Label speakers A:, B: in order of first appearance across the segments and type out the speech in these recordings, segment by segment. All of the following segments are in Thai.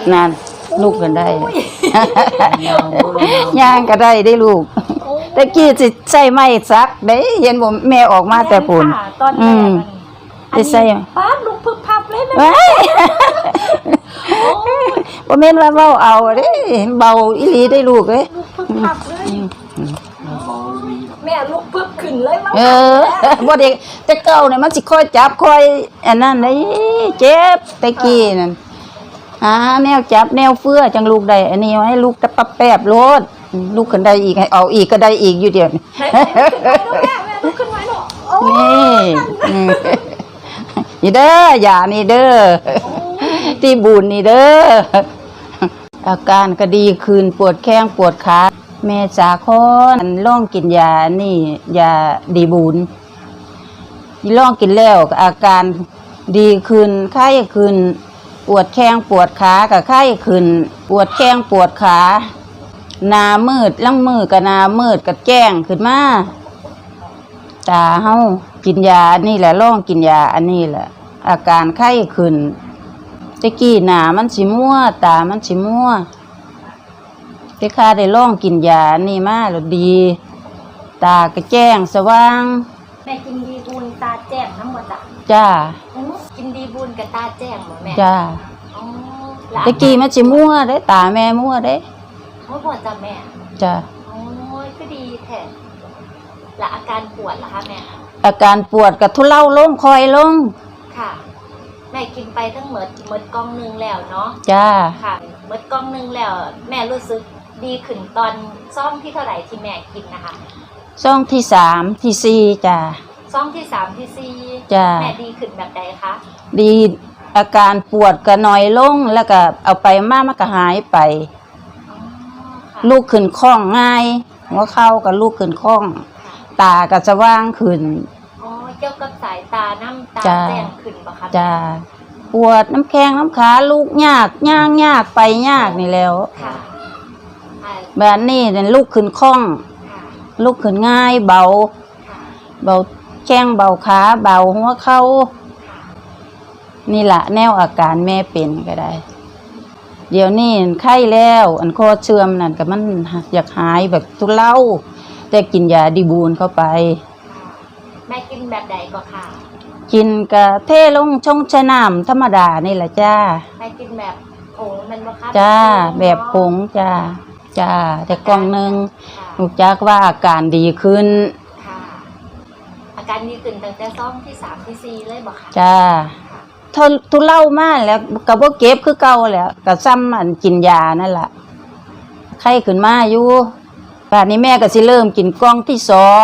A: นั่นลูกกันได้ย่างก็ได้ได้ลูกตะกี้สิใส่ไม้ซักได้เห็นบ่แม่ออกมาแต่ปุ่นสิใส่
B: ป้าลูกพึบพับเลย
A: นะบ่แม่นว่าเว้าเอาเด้เบาอีหลีได้ลูกเอ้ย
B: ลูกพึบพับเลยแม่ลูกพึบขึ้นเลย
A: บ่เด็กแต่เก่านี่มันสิค่อยจับค่อยอันนั้นได้เจ็บตะกี้นั่นแนวจับแนวเฟื้อจังลูกได้อันนี้ให้ลูกตะปั๊บแป๊บโลดลูกขึ้นได้อีกให้เอาอีกก็ได้อีกอยู่เดียวนี่
B: ลูกขึ้นไว้หนู
A: นี่เด้ออย่านี่เด้อที่บุญนี่เด้ออาการก็ดีขึ้นปวดแข้งปวดขาแม่สาคอนลองกินยานี่ยาดีบุญลองกินแล้วอาการดีขึ้นไข้ขึ้นปวดแข้งปวดขากับไข้ขึ้นปวดแข้งปวดขาหน้ามืดลังมือกับหน้ามืดกับแจ้งขึ้นมาตาเฮากินยานี่แหละลองกินยาอันนี้แหละอาการไข้ขึ้นตะกี้หน้ามันสิมัวตามันสิมัวแต่ข้าได้ลองกินยานี่มาแล้วดีตาก็แจ้งสว่าง
B: แม่กินดีบุญตาแจ้งน้ำหมด
A: จ้า
B: กินดีบุญกับตาแจ้งหมดแม่
A: จ้าตะกี้มันสิมัวได้ตาแม่มัวได้
B: พอจ้ะแม่
A: จ้า
B: โอ้ยก็ดีแท้และอาการปวดล่ะคะแม่
A: อาการปวดกับทุเลาลงคอยลง
B: ค่ะแม่กินไปทั้งหมดกล่องนึงแล้วเนาะ
A: จ้า
B: ค่ะหมดกล่องนึงแล้วแม่รู้สึกดีขึ้นตอนซ่อมที่เท่าไหร่ที่แม่กินนะคะ
A: ซ่องที่3ที่4จ้า
B: ซ่อมที่3ที่4
A: จ้า
B: แม่ดีขึ้นแบบใดคะ
A: ดีอาการปวดก็น้อยลงแล้วก็เอาไปมามันก็หายไปลูกขึ้นคล่องง่ายหัวเข่ากับลูกขึ้นคล่องตาก็จะว่างขึ้น
B: เกี่ยวกับสายตาน้ำตาแจ้งขึ้นปะคะ
A: จ้าปวดน้ำแข้งน้ำขาลูกยากย่างยากไปยากนี่แล้วแบบนี้เนี่ยลูกขึ้นคล่องลูกขึ้นง่ายเบาแข้งเบาขาเบาหัวเข่านี่แหละแนวอาการแม่เป็นก็ได้เดี๋ยวนี้ไข้แล้วอันคอเชื่อมนั่นก็มันอยากหายแบบทุเลาแต่กินยาดีบูนเข้าไป
B: แม่กินแบบใดก็ค่ะ
A: กินกะเทลงชงชะน้ำธรรมดานี่แหละจ้า
B: แม่กินแบบผงมันบ่คะ
A: จ้าแบบผงจ้าแต่กล่องนึงลูกจักว่าอาการดีขึ้น
B: ค่ะอาการดีขึ้นตั้งแต่ซ่อมที่3ที่4เลยบ่คะ
A: จ้าทุเล่ามากแล้วก็บ่เก็บคือเก่าแล้วก็ซ้ำอันกินยานั่นแหละไข้ขึ้นมาอยู่ป่านนี้แม่ก็สิเริ่มกินกล่องที่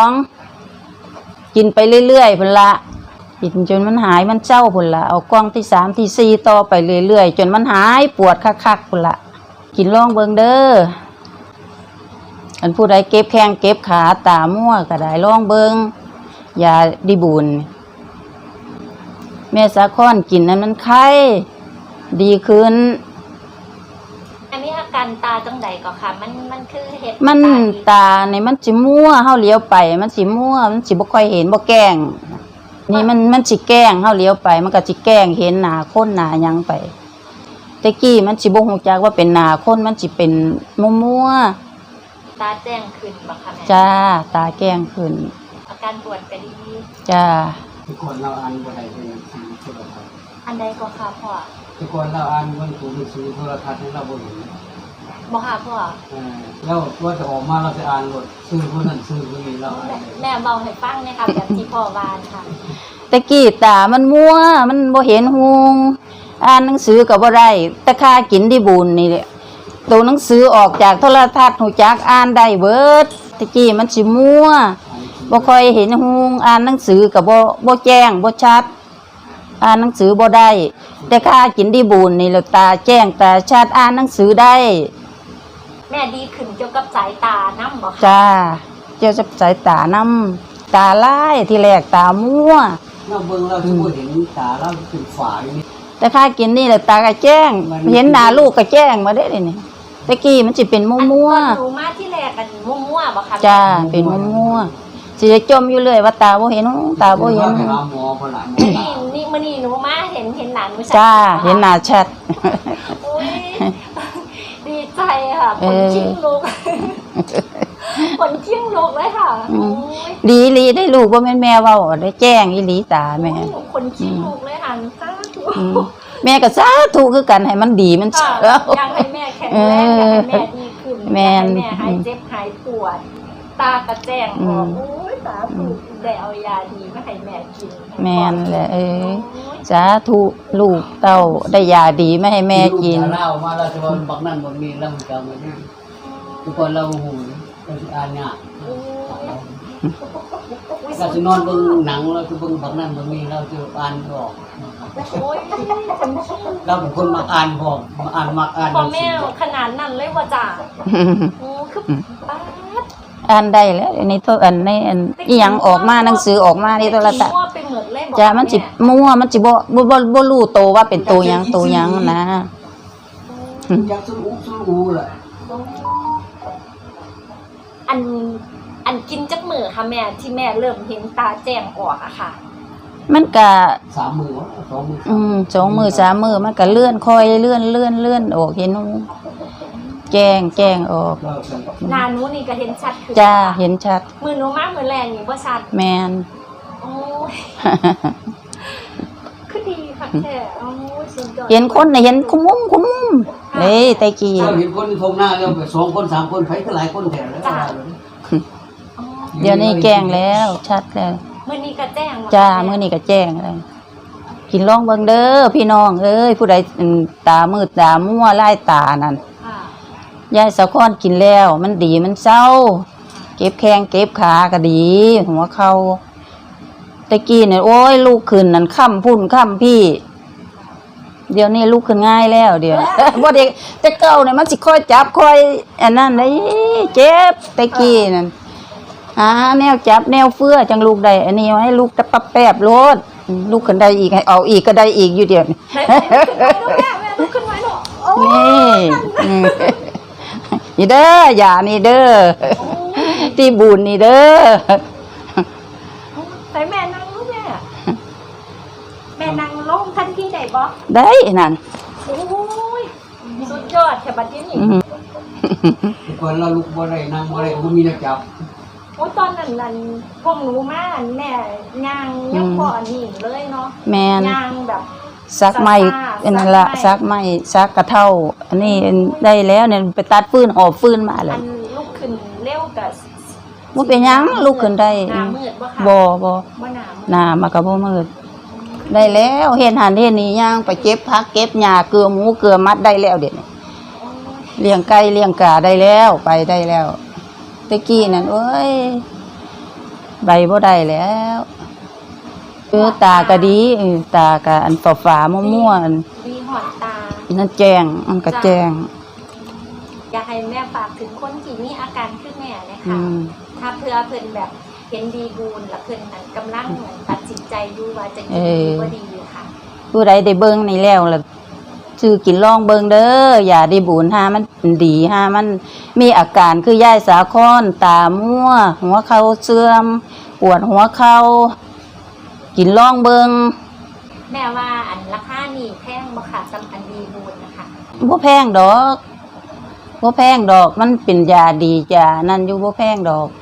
A: 2กินไปเรื่อยๆพุ่นละกินจนมันหายมันเจ้าพุ่นละเอากล่องที่3ที่4ต่อไปเรื่อยๆจนมันหายปวดคักๆพุ่นละกินลองเบิ่งเด้ออันผู้ใดเก็บแข้งเก็บขาตามั่วก็ได้ลองเบิ่งยาดีบุญแม่สาคอนกินนั้นมันไข้ดีขึ้น
B: อันนี้อาการตาจังใดก็ค่ะมันคือเห็ด
A: มันตาเนี่ยมันสิมั่วเฮาเลี้ยวไปมันสิมั่วมันสิบ่ค่อยเห็นบ่แกล้งนี่มันสิแกล้งเฮาเลี้ยวไปมันก็สิแกล้งเห็นหน้าคนหน้าหยังไปแต่กี้มันสิบ่ฮู้จักว่าเป็นหน้าคนมันสิเป็นมั่ว
B: ตาแจ้งขึ้นบ่คะแม่
A: จ้าตาแกล้งขึ้น
B: อาการปวดก็ดี
A: จ้า
C: ทุกคนเราอ่านบ่ได้เป็นสื่อโทรทัศน์
B: อันใดก็ค่ะพ่อ
C: ทุกคนเราอ่านบนสื่อโทรทัศน์ให้เราบ่เห็น
B: บ่ค่ะพ่อ
C: แล้วว่าจะออกมาเราจะอ่านบทสื่อคนนั้นสื่อคนนี้เรา
B: แม่เบาให้ฟังนะคะแบบที่พ่อวานค่ะ
A: ตะกี้ตามันมัวมันบ่เห็นหุงอ่านหนังสือก็บ่ได้แต่ค่ากินดีบุญนี่แหละตัวหนังสือออกจากโทรทัศน์หูจักอ่านได้เบิดตะกี้มันสิมัวบ่ค่อยเห็นหุงอ่านหนังสือก็บ่แจ้งบ่ชัดอ่านหนังสือบ่ได้แต่ค่ากินดีบุญนี่แหละตาแจ้งตาชัดอ่านหนังสือได้
B: แม่ดีขึ้นเกี่ยวกับสายตานำบ่คะ
A: จ้าเกี่ยวกับสายตานำตาลายที่แรกตามัว
C: เราเบิ่งเราสิบ่เห็นตาเราเป็นฝาอยู่นี่
A: แต่ค่ากินนี่แหละตาก็แจ้งเห็นหน้าลูกก็แจ้งมาได้นี่ตะกี้มันสิเป็นมัว
B: หนูมาที่แรกกันมัวบ่คะ
A: จ้าเป็นมัวสิจมอยู่เลยว่าตาบ่เห็นตาบ่เห็น
C: หาหมอพุ่นล่ะ
B: นี่มื้อนี้หนูมาเห็นหลานหนู
A: จ้าเห็นหน้าชัด
B: ค่ะขนชิงลุกขนชิงลุกเลยค่ะโอ้ย
A: ดีอีหลีได้ลูกบ่แม่นแม่เว้าได้แจ้งอีหลีตาแม่
B: ขนชิงลุกเลยค่ะสาธุ
A: แม่ก็สาธุคือกันให้มันดีมัน
B: ค่ะ
A: เอ้า
B: อยากให้แม่แข็งแรงอยากให้แม่ดีขึ้น
A: แม่
B: อยาก
A: น
B: ให้แม่หายเจ็บหายปวด ตากระแจ้งออกโอ้ยสาธุได้เอายาดีมาให้แม่กิน
A: แม่นแหละ
B: โอ้
A: ย
B: ย
A: สาธุลูกเต้าได้ยาดีมาให้แม่กิน
C: ลูจะเล่ามาแล้วจะว่าบักนั่นบักนี้แล้วมันจะมาเนี่ยทุกคนเราหูเราจะอ่านเนี่ย
B: โอ้ย
C: เราจะนอนเบิ่งหนังเราจะเบิ่งบักนั่นบักนี้เราจะอ่านออก
B: โอ้ยขนชิง
C: เราเป็นคนมักอ่านพอมักอ่าน
B: พ่อแม่ขนาดนั้นเลยว่าจ้าโอ้คือป้าด
A: อ่านได้แล้วในโทรอันในอันอีหยังออกมาหนังสือออกมาในโทรทัศน์
B: มั่วไปหมดเลยบอก
A: จ้ามันสิ
B: แ
A: มั่วมันสิบ่รู้โตว่าเป็นตัวหยังตัวหยังนะ
C: อยากสู้อูแหละ
B: อันกินจักมือค่ะแม่ที่แม่เริ่มเห็นตาแจ้งออกอะค่ะ
A: มันก็
C: 3 มือ2 มือ
A: 2 มือ3 มือมันก็เลื่อนค่อยเลื่อนออกเห็นหูแจ้งออก
C: เราเป็น
B: หนาหนูนี่ก็เห็นชัดขึ้น
A: จ้าเห็นชัด
B: มือหนูมากมือแรงนี่บ่ชัด
A: แมน
B: โอ้ยคือดีค่ะแท้โอ้ยสุดยอด
A: เห็นคนน่ะเห็นคุมุ้มเอ้ยตะกี้
C: เราเห็นคนทงหน้าเราไป2 คน3 คนไผก็หลายคนแถวแล้ว
B: อ๋อ
A: เดี๋ยวนี้แจ้งแล้วชัดแล้ว
B: มื้อนี้ก็แจ้งว่
A: จ้า
B: แ
A: มื้อนี้ก็แจ้งแล้วกินลองเบิ่งเด้อพี่น้องเอ้ยผู้ใดตามืดตามัวลายตานั่น
B: ค่ะ
A: ยายสะค้อนกินแล้วมันดีมันเศร้า เก็บแข้งเก็บขาก็ดี หัวเข่าตะกี้เนี่ยโอ้ยลูกขึ้นนั่นค่ำพุ่นค่ำพี่ เดี๋ยวนี้ลูกขึ้นง่ายแล้วเดี๋ยว บ่เด็กแต่เก่าเนี่ยมันสิค่อยจับค่อยอันนั้นได้เจ็บตะกี้นั่นแนวจับแนวเฟื้อจังลูกได้อันนี้ให้ลูกตะปับแป๊บโลดลูกขึ้นได้อีกให้เอาอีกก็ได้อีกอยู่เดี๋ยวนี้
B: ไหนแม่ลุกขึ้นไว้หนูโอ้ย
A: นี่นี่เด้ออย่านี่เด้อที่บุญนี่เด้อ
B: ใส่แม่นั่งลูกแม่แม่นั่งลงทันทีได้บ่
A: ได้นั่น
B: โอ้ยสุดยอดแค่บัดนี้นี่
C: ก่อนเราลุกบ่ได้นั่งบ่ได้บ่มีนักจับ
B: โอ้ยตอนนั้นพวกหนูมาแม่ย่างยังบ่อันนี้เลยเนาะ
A: แมน
B: ย่างแบบ
A: ซักไม้อันนั้นละซักไม้ซักกระเท่า อันนี้ได้แล้วเนี่ยไปตัดฟืนหอบฟืนมาเล
B: อั
A: ย
B: นลุกขึ้นเร็วกับ
A: บ่เป็นหยังลูกขึ้นได้
B: หน้ามืดบ่ค่ะ
A: บ่
B: บ่หน้ามืด
A: หน้ามาก็บ่มืดได้แล้วเฮ็ดหันเฮ็ดนี่ย่างไปเก็บผักเก็บหญ้าเกลือหมูเกลือมัดได้แล้วเดี๋ยวนี้
B: โอ้ย
A: เลี้ยงไก่เลี้ยงกาได้แล้วไปได้แล้วตะกี้นั่นเอ้ยใบบ่ได้แล้วตาก็ดีตาก็อันฝาๆมั่วๆอัน
B: ดีหอดตา
A: นั่นแจ้งมันก็แจ้ง
B: อยากให้แม่ฝากถึงคนที่มีอาการคือแม่เลย
A: อื
B: ค่ะ
A: ม
B: ถ้าเพื่อเพิ่นแบบเห็นดีบูนแล้วเพิ่นนั้นกำลังเหมือนตัดสินใจอยู่ว่าจะกินดีบ่ดีอยู่ค่ะ
A: ผู้ใดได้เบิ่งนี่แล้วล่ะซื้อกินลองเบิ่งเด้ออย่าได้บุญหามันดีหามันมีอาการคือยายสาคอนตามั่วหัวเข่าเสื่อมปวดหัวเข่ากินลองเบิ่ง
B: แม่ว่าอันราคานี่แพงบ่ค่ะสำอันดีบูนนะคะ
A: บ่แพงดอกมันเป็นยาดีจ้านั่นอยู่บ่แพงดอก